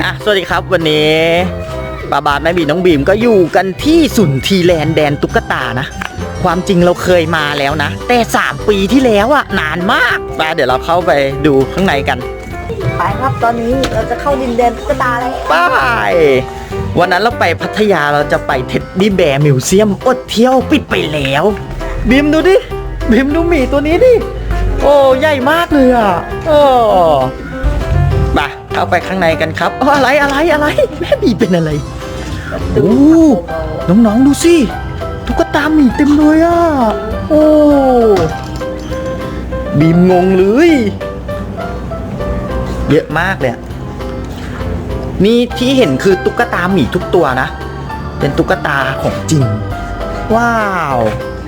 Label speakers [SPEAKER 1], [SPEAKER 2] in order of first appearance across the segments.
[SPEAKER 1] สวัสดีครับวันนี้บาบาแม่บีน้องบีมก็อยู่กันที่สุนทรีแลนด์แดนตุ๊กตานะความจริงเราเคยมาแล้วนะแต่3 ปีที่แล้วอะนานมากเดี๋ยวเราเข้าไปดูข้างในกัน
[SPEAKER 2] ไปครับตอนนี้เราจะเข้าดินแดนตุ๊กตาเลย
[SPEAKER 1] ไปวันนั้นเราไปพัทยาเราจะไปเท็ดดี้แบร์มิวเซียมอดเที่ยวปิดไปแล้วบีมดูดิบีมดูหมีตัวนี้ดิโอ้ใหญ่มากเลยอ่ะโอ้มาเข้าไปข้างในกันครับอะไรแม่บีเป็นอะไรโอ้น้องๆดูสิตุ๊กตาหมีเต็มเลยอ่ะโอ้บีมงงเลยเยอะมากเลยนี่ที่เห็นคือตุ๊กตาหมีทุกตัวนะเป็นตุ๊กตาของจริงว้าว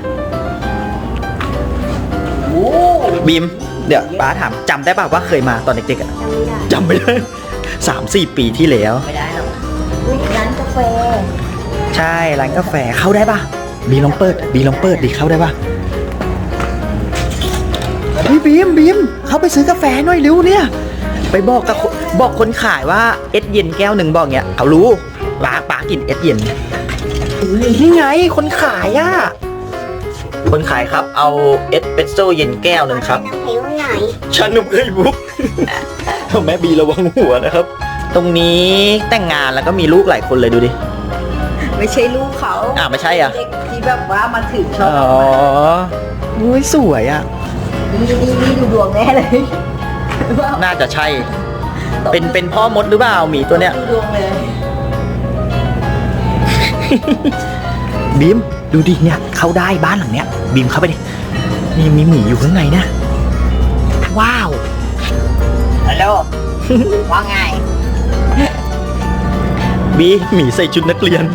[SPEAKER 1] บีมเดี๋ยวป้าถามจำได้ป่าวว่าเคยมาตอนเด็กๆอ่ะจำไม่ได้3-4 ปีที่แล้ว
[SPEAKER 2] ไม่ได้หรอกร้านกาแฟ
[SPEAKER 1] ใช่ร้านกาแฟเข้าได้ป่ะบีลองเปิดดิเข้าได้ป่ะบีมเข้าไปซื้อกาแฟหน่อยเร็วเนี่ยไปบอกคนขายว่าเอสเย็นแก้วหนึ่งบอกเงี้ยเขารู้ป้ากินเอสเย็นนี่ไงคนขายอ่ะคนขายครับเอาเอสเปรสโซ่เย็นแก้วหนึ่งครับชานมไข่มุกแม่บีระวังหัวนะครับตรงนี้แต่งงานแล้วก็มีลูกหลายคนเลยดูดิ
[SPEAKER 2] ไม่ใช่ลูกเขา
[SPEAKER 1] ไม่ใช่อ่ะ
[SPEAKER 2] ที่แบบว่ามาถึงชอบ
[SPEAKER 1] อุ้ยสวยอ่ะ
[SPEAKER 2] นี่ดูดวงแน่เลย
[SPEAKER 1] น่าจะใช่เป็นพ่อมดหรือเปล่าหมีตัวเนี้ย
[SPEAKER 2] ดูดวงเลย
[SPEAKER 1] บีมดูดิเนี่ยเข้าได้บ้านหลังเนี้ยบีมเข้าไปดินี่มีหมีอยู่ข้างในนะว้าว
[SPEAKER 2] ฮัลโหลว่าไง
[SPEAKER 1] บีหมีใส่ชุดนักเรียน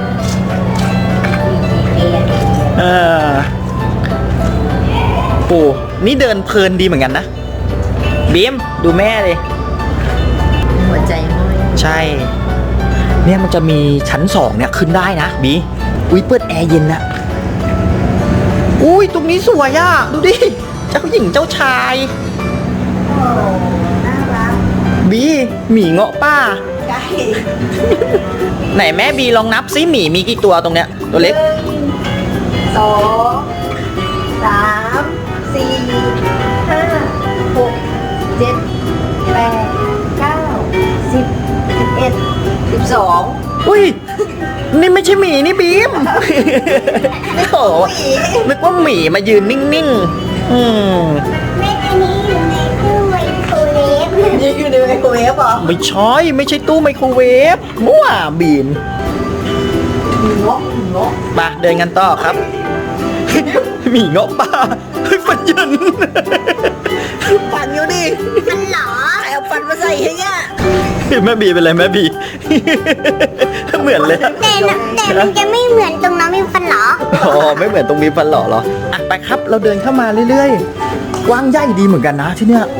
[SPEAKER 1] โอ้นี่เดินเพลินดีเหมือนกันนะบีมดูแม่เลย
[SPEAKER 2] หัวใจม้อย
[SPEAKER 1] ใช่เนี่ยมันจะมีชั้น2เนี่ยขึ้นได้นะบีอุ้ยเปิดแอร์เย็นนะอุ้ยตรงนี้สวยอ่ะดูดิเจ้าหญิงเจ้าชาย
[SPEAKER 2] โอ้น่ารัก
[SPEAKER 1] บีหมีเงาะป้า
[SPEAKER 2] ใช่
[SPEAKER 1] ไหนแม่บีลองนับซิหมีมีกี่ตัวตรงเนี้ยตัวเล็ก
[SPEAKER 2] 1 2 3 4 5 6 7 8 9 10 11 12
[SPEAKER 1] อุ้ยนี่ไม่ใช่หมีนี่บีมโอ้นึกว่าหมีมายืนนิ่งๆ
[SPEAKER 2] แม่อันนี้อยู่ในตู้ไมโครเวฟอยู่ในไมโครเวฟเหรอ
[SPEAKER 1] ไม่ใช่ตู้ไมโครเวฟมั่วบีม
[SPEAKER 2] เงาะ
[SPEAKER 1] มาเดินกันต่อครับหมีเงาะป่าฟันยัน
[SPEAKER 2] ฟันอยู่ดิฟันหรอเอาฟันมาใส่ให้เนี่ย
[SPEAKER 1] แม่บีเป็นไรแม่บีเหมือนเลย
[SPEAKER 3] แต่มันจะไม่เหมือนตรงน้องมีฟันหรอ
[SPEAKER 1] ไม่เหมือนตรงมีฟันหล่อเหรอไปครับเราเดินเข้ามาเรื่อยๆกว้างใหญ่ดีเหมือนกันนะที่เนี้ย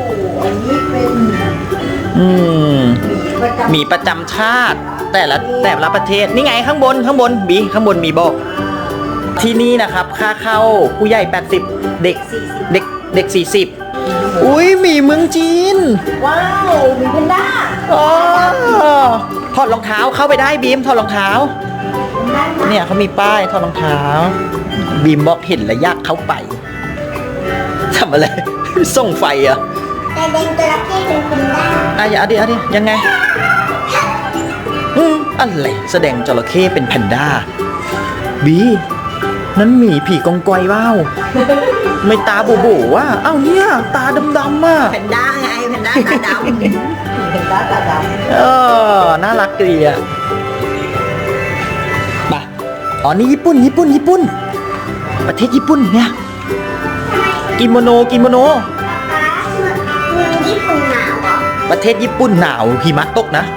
[SPEAKER 1] หมีประจำชาติแต่ละประเทศนี่ไงข้างบนบีข้างบนมีบอกที่นี่นะครับค่าเข้าผู้ใหญ่80เด็ก40อุ้ยหมีเมืองจีน
[SPEAKER 2] ว้าวมีแพนด้า
[SPEAKER 1] ถอดรองเท้าเข้าไปได้บีมถอดรองเท้าเนี่ยเขามีป้ายถอดรองเท้าบีมบอกเห็นแล้วอยากเข้าไปทำอะไรส่งไฟอ่ะ
[SPEAKER 3] แต่เด็กจระเข้เป็นแพนด้า
[SPEAKER 1] อย่าดิยังไงอะไรแสดงจระเข้เป็นแพนด้าบีนั้นหมีผีกองกอยว้าวไม่ตาโบว่ะเนี่ยตาดำๆอ่ะ
[SPEAKER 2] แพนด้าไงแพนด้าตาดำแพนด้าตาด
[SPEAKER 1] ำน่ารักดีอ่ะมานี่ญี่ปุ่นประเทศญี่ปุ่นเนี่ยกิโมโน
[SPEAKER 3] เมืองญี่ปุ่นหนาวเหรอ
[SPEAKER 1] ประเทศญี่ปุ่นหนาวหิมะตกนะ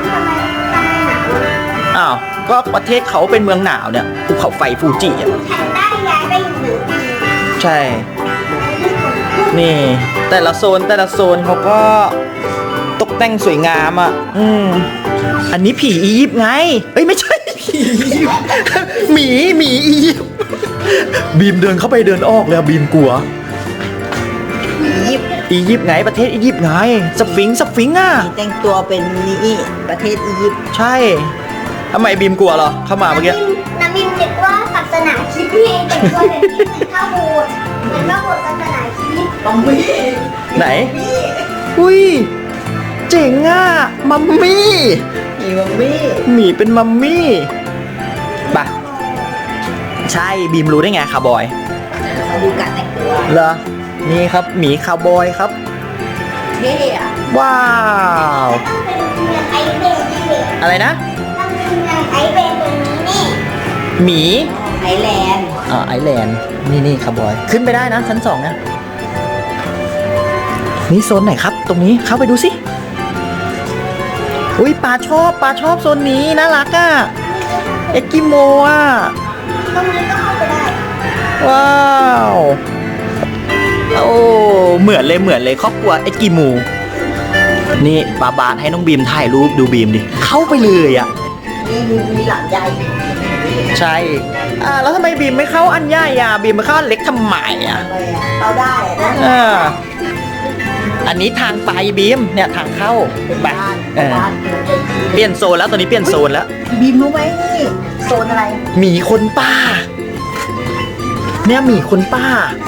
[SPEAKER 3] หนาว
[SPEAKER 1] ก็ประเทศเขาเป็นเมืองหนาวเนี่ยภูเขาไฟฟูจิอ่ะ
[SPEAKER 3] แพนด้าย้ายไปอยู่เหนือจีน
[SPEAKER 1] ใช่นี่แต่ละโซนเขาก็ตกแต่งสวยงามอ่ะอันนี้ผีอียิปต์ไงไม่ใช่ผีหมีอียิปต์บีมเดินเข้าไปเดินออกแล้วบีมกลัว
[SPEAKER 2] ผียิปต์
[SPEAKER 1] อียิปต์ไงประเทศอียิปต์ไงสฟิงค์อ่ะ
[SPEAKER 4] แต่งตัวเป็นนี่ประเทศอียิปต์
[SPEAKER 1] ใช่ทำไมบีมกลัวเหรอเข้ามาเมื่อกี้
[SPEAKER 2] น้ำมินนึกว่าศาสนาคริสต์นี่เองแต่งตัวแบบนี้เหมือนข้าวโบสถ์เหมือนข้าวโบสถ์ศาสนาคริสต์
[SPEAKER 4] ต้องมี
[SPEAKER 1] ไหนอุ้ยเจ๋งอ่ะมัมมี่
[SPEAKER 4] มีมัมมี่
[SPEAKER 1] หมีเป็นมัมมี่ปะใช่บีมรู้ได้ไงคาร์บอย
[SPEAKER 4] มาดูการแต่งตัว
[SPEAKER 1] เหรอนี่ครับหมีคาร์บอยครับ
[SPEAKER 4] เท่อะ
[SPEAKER 1] ว้าว
[SPEAKER 2] ต้องเป็นเมืองไอเบนนี่
[SPEAKER 1] อะไรนะ
[SPEAKER 2] ต้องเป็นเมืองไอเบนตัวนี้นี่
[SPEAKER 1] หมี
[SPEAKER 4] ไอแลนด์
[SPEAKER 1] ไอแลนด์นี่คาร์บอยขึ้นไปได้นะชั้นสองนะนี่โซนไหนครับ ตรงนี้เข้าไปดูสิอุ้ยปลาชอบโซนนี้น่ารักอ่ะเอ็กกิโมอ่ะ
[SPEAKER 2] ตรงนี้ก็เข้าไปได้
[SPEAKER 1] ว้าวโอ้เหมือนเลยครอบครัวเอ็กกิโมนี่ปาบาทให้น้องบีมถ่ายรูปดูบีมดิเข้าไปเลยอ่ะ
[SPEAKER 4] นี่มีหลังใหญ่
[SPEAKER 1] ใช่แล้วทำไมบีมไม่เข้าอันใหญ่อ่ะบีมไม่เข้าอันเล็กทำไมอ่ะ
[SPEAKER 4] ทำไมอะเข้าได้นะ
[SPEAKER 1] อันนี้ทางไปบีมเนี่ยทางเข้าไป
[SPEAKER 4] บ้าน
[SPEAKER 1] เออ
[SPEAKER 4] บ้าน
[SPEAKER 1] เปลี่ยนโซนแล้วตอนนี้เปลี่ยนโซนแล้ว
[SPEAKER 4] บีมรู้ไหมนี่โซนอะไร
[SPEAKER 1] หมีคนป้า เนี่ยหมีคนป้า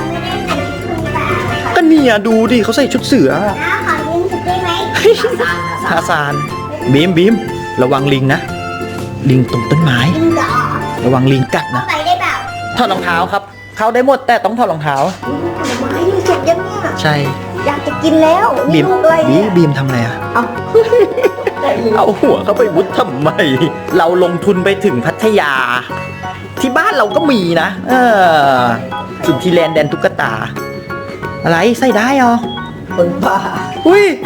[SPEAKER 2] เราไม่ได้ใส่ชุดคุณป่าค่ะ
[SPEAKER 1] ก็เนี่ยดูดิเขาใส่ชุดเสือ
[SPEAKER 2] น้าขอยืมชุดได้ไหม
[SPEAKER 1] ทาซานบีมระวังลิงนะลิงตรงต้นไม้
[SPEAKER 2] ยิงเหรอ
[SPEAKER 1] ระวังลิงกัด
[SPEAKER 2] เข้า
[SPEAKER 1] นะ
[SPEAKER 2] ไปได้เปล่า
[SPEAKER 1] ถอดรองเท้าครับ เข้าได้หมดแต่ต้องถอดรองเท้า
[SPEAKER 4] ผลไม้นี่สุกยังเนี่ย
[SPEAKER 1] ใช่
[SPEAKER 4] อยากจะกินแล้ว
[SPEAKER 1] บี
[SPEAKER 4] นี่
[SPEAKER 1] ม
[SPEAKER 4] ลูกอะไรเนี่ย
[SPEAKER 1] บีมทำอะไรอะ
[SPEAKER 4] เอา
[SPEAKER 1] เอาหัวเข้าไปวุดทำไม เราลงทุนไปถึงพัทยา ที่บ้านเราก็มีนะสุนทรีแลนด์แดนตุ๊กตา อะไรใส่ได้เหรอ
[SPEAKER 4] คนบ้า
[SPEAKER 1] อุ้ย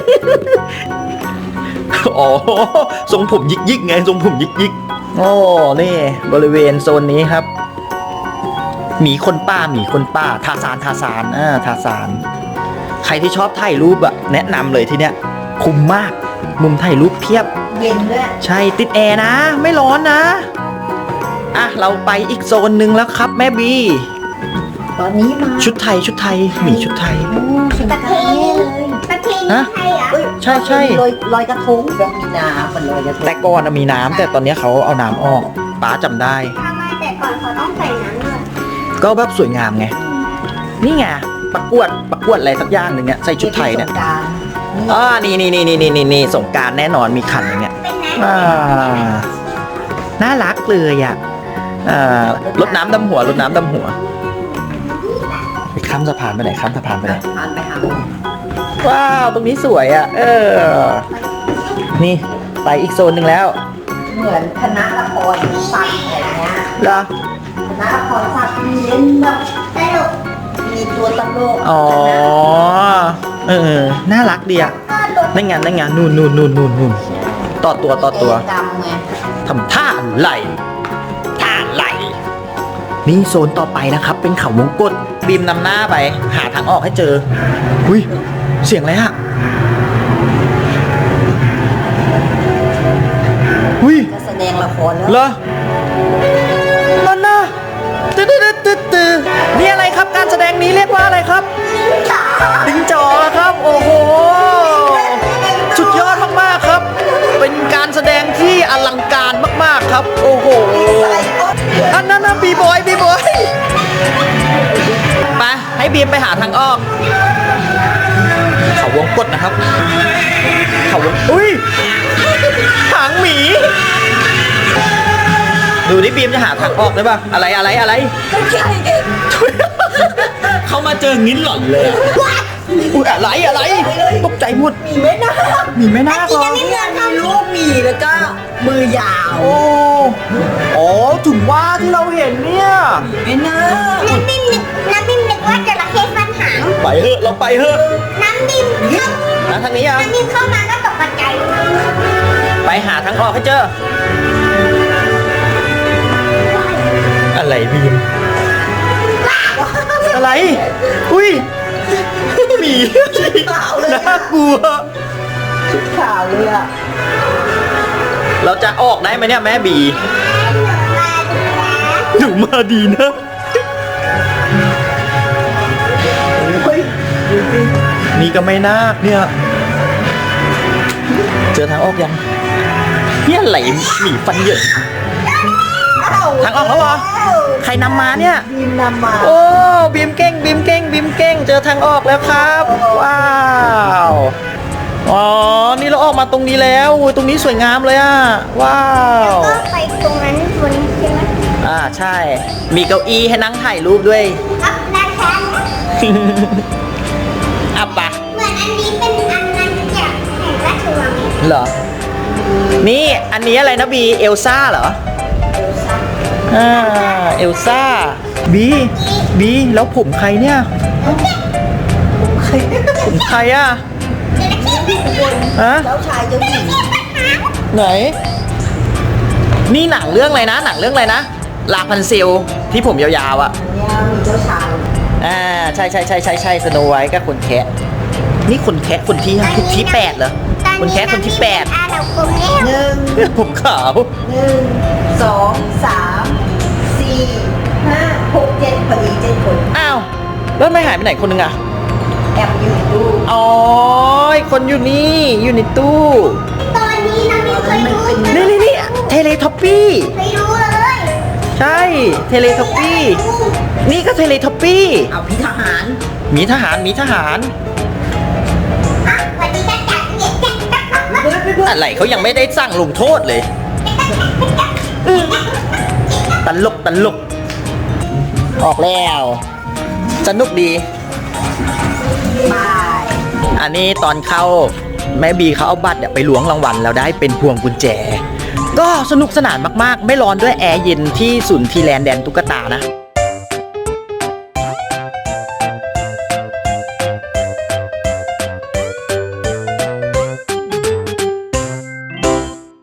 [SPEAKER 1] อ๋อทรงผมยิกไงทรงผมยิกโอ้นี่บริเวณโซนนี้ครับหมีคนป้าทาซานทาซานใครที่ชอบถ่ายรูปอะแนะนำเลยที่เนี้ยคุ้มมากมุมถ่ายรูปเพียบ
[SPEAKER 4] เย็นด้วย
[SPEAKER 1] ใช่ติดแอร์นะ ไม่ร้อนนะเราไปอีกโซนหนึ่งแล้วครับแม่บี
[SPEAKER 4] ตอนนี้มา
[SPEAKER 1] ชุดไทยหมีชุดไทย
[SPEAKER 4] สง
[SPEAKER 2] ประ
[SPEAKER 4] ก
[SPEAKER 2] เพ
[SPEAKER 4] รานต์
[SPEAKER 2] ณี
[SPEAKER 4] เลย
[SPEAKER 2] ประเพณี
[SPEAKER 1] ฮะ
[SPEAKER 2] ไทยเหรอ
[SPEAKER 4] เอ้ย
[SPEAKER 1] ใช่
[SPEAKER 4] ลอยกระทงแบบมีน้ำมันลอยกระทง
[SPEAKER 1] แต่ก่อนมีน้ำแต่ตอนนี้เขาเอาน้ำออกป้าจำได้
[SPEAKER 2] ทำไมแต่ก่อนเขาต้องใส่น้ำเลย
[SPEAKER 1] ก็แบบสวยงามไง นี่ไงประกวดอะไรสักอย่างหนึ่งเนี่ยใส่ชุดไทยเนี่ย
[SPEAKER 4] สงกรานต์
[SPEAKER 1] นี่สงกรารแน่นอนมีขันอย่างเงี้ย
[SPEAKER 2] เป็นน้
[SPEAKER 1] อ่าน่ารักเลยอ่ะรดน้ำดำหัวไปข้ามสะพานไปไหน
[SPEAKER 4] ผ่านไปหาหมอ
[SPEAKER 1] ว้าวตรงนี้สวยอ่ะนี่ไปอีกโซนหนึ่งแล้ว
[SPEAKER 4] เหมือนคณะละครสัตว์อะไรเงี้ย
[SPEAKER 1] เหรอ
[SPEAKER 4] คณะละครสัตว์มีเล่นแบบ
[SPEAKER 2] ำตลก
[SPEAKER 4] มีตัวตลก
[SPEAKER 1] อ๋อน่ารักดีอ่ะ
[SPEAKER 2] ก็รถ
[SPEAKER 1] นั่นไงนู่นต่อตัว
[SPEAKER 4] กรรมไง
[SPEAKER 1] ทำท่าไหลนี่โซนต่อไปนะครับ เป็นเขาวงกตบีมนำหน้าไป หาทางออกให้เจออุ้ยเสียงอะไรอะอุ้ย
[SPEAKER 4] จะแสดงละครแล้ว
[SPEAKER 1] เหรอนั่นนะตึ๊ดนี่อะไรครับการแสดงนี้เรียกว่าอะไรครับลิงจ๋อครับ โอ้โหสุดยอดมากๆครับ เป็นการแสดงที่อลังการมากๆครับ โอ้โหอันนั้นนะบีบอยไปให้บีมไปหาทางออก เขาวงกตนะครับ เขาวงอุ้ยหางหมี ดูนี่บีมจะหาทางออกได้ป่ะอะไร เข้ามาเจองิ้นหล่อนเลยอะอุ้ยอะไรตกใจหมด
[SPEAKER 4] มีไหมนะ
[SPEAKER 1] มีไหม่น่าหรอ
[SPEAKER 4] มีลูกหมีแล้วก็มือยาว
[SPEAKER 1] อ๋อถึงว่าที่เราเห็นเนี่ย
[SPEAKER 4] ไม่น่า
[SPEAKER 2] น้ำบิ้มนึกว่าจระเข้ฟันหาง
[SPEAKER 1] ไปเถอะเราไปเถอะ
[SPEAKER 2] น้ำบิ้มเข้า
[SPEAKER 1] ทางนี้อ่ะ
[SPEAKER 2] น้ำบิ้มเข้ามาก็ตกใจ
[SPEAKER 1] ไปหาทางออกให้เจอ อะไรบีมอะไรอุ้ยหมีน่ากลัว
[SPEAKER 4] ชุดขาวเลยอ่ะ
[SPEAKER 1] เราจะออกได้ไหมเนี่ยแม่บีหนูมาดีนะ
[SPEAKER 4] เฮ้ยดูสิ
[SPEAKER 1] นี่ก็ไม่นาคเนี่ย เจอทางออกยังเนี่ยไหลหนีฟันเหยินทางออกแล้วเหรอ ใครนำมาเนี่ย
[SPEAKER 4] บีมนำมา
[SPEAKER 1] โอ้บีมเก่งบีมเก่งบีมเก่งเจอทางออกแล้วครับ ว้าวอ๋อนี่เราออกมาตรงนี้แล้วอุ๊ยตรงนี้สวยงามเลยอ่ะว้าว
[SPEAKER 2] ก็ไปตรงนั้นบนใช่ไหม
[SPEAKER 1] ใช่ มีเก้าอี้ให้นั่งถ่ายรูปด้วย
[SPEAKER 2] ครับได้แค่
[SPEAKER 1] อ่ะปะ
[SPEAKER 2] เหมือนอันนี้เป็นอันนั้นจากแห่งราชวัง
[SPEAKER 1] เหรอนี่อันนี้อะไรนะบีเอลซ่าเหรอเอลซ่าบีแล้วผมใครเนี่ยผมใครอ่ะฮะ
[SPEAKER 4] เจ้าชายเจ้าหญิง
[SPEAKER 1] ไหน นี่หนังเรื่องอะไรนะ หนังเรื่องอะไรนะลาพันเซลที่ผมยาวๆอ่ะ
[SPEAKER 4] เนี่ยมีเจ้าชาย
[SPEAKER 1] ใช่สโนไวท์กับคนแคะนี่คนแคะคนที่8เหรอคนแคะคนที่
[SPEAKER 2] อาเราคงแล้ว
[SPEAKER 4] หนึ่ง
[SPEAKER 1] 8ผมขาว
[SPEAKER 4] 1 2 3 4 5 6 7พอดี7 คน
[SPEAKER 1] อ้าวแล้วไม่หายไปไหนคนนึงอ่ะ
[SPEAKER 4] แอบอยู่ดู
[SPEAKER 1] อ๋อคนอยู่นี่อยู่ในตู้
[SPEAKER 2] ตอนนี้น้องมิ้นเคยรู้
[SPEAKER 1] นี่เทเลท็อปปี้
[SPEAKER 2] เคยรู้เลย
[SPEAKER 1] ใช่เทเลท็อปปี้นี่ก็เทเลท็อปปี้
[SPEAKER 4] เอาพี่ทหาร
[SPEAKER 1] มีทหาร
[SPEAKER 2] อ่ะวันนี้ก็จัดเนี่ยจัด
[SPEAKER 1] อะไรเขายังไม่ได้สั่งลงโทษเลยตลกออกแล้ว สนุกดี
[SPEAKER 4] บาย
[SPEAKER 1] อันนี้ตอนเข้าแม่บีเขาเอาบัตรเนี่ยไปล้วงรางวัลแล้วได้เป็นพวงกุญแจ ก็สนุกสนานมากๆ ไม่ร้อนด้วยแอร์เย็นที่ศูนย์ทีแลนด์แดนตุ๊กตานะ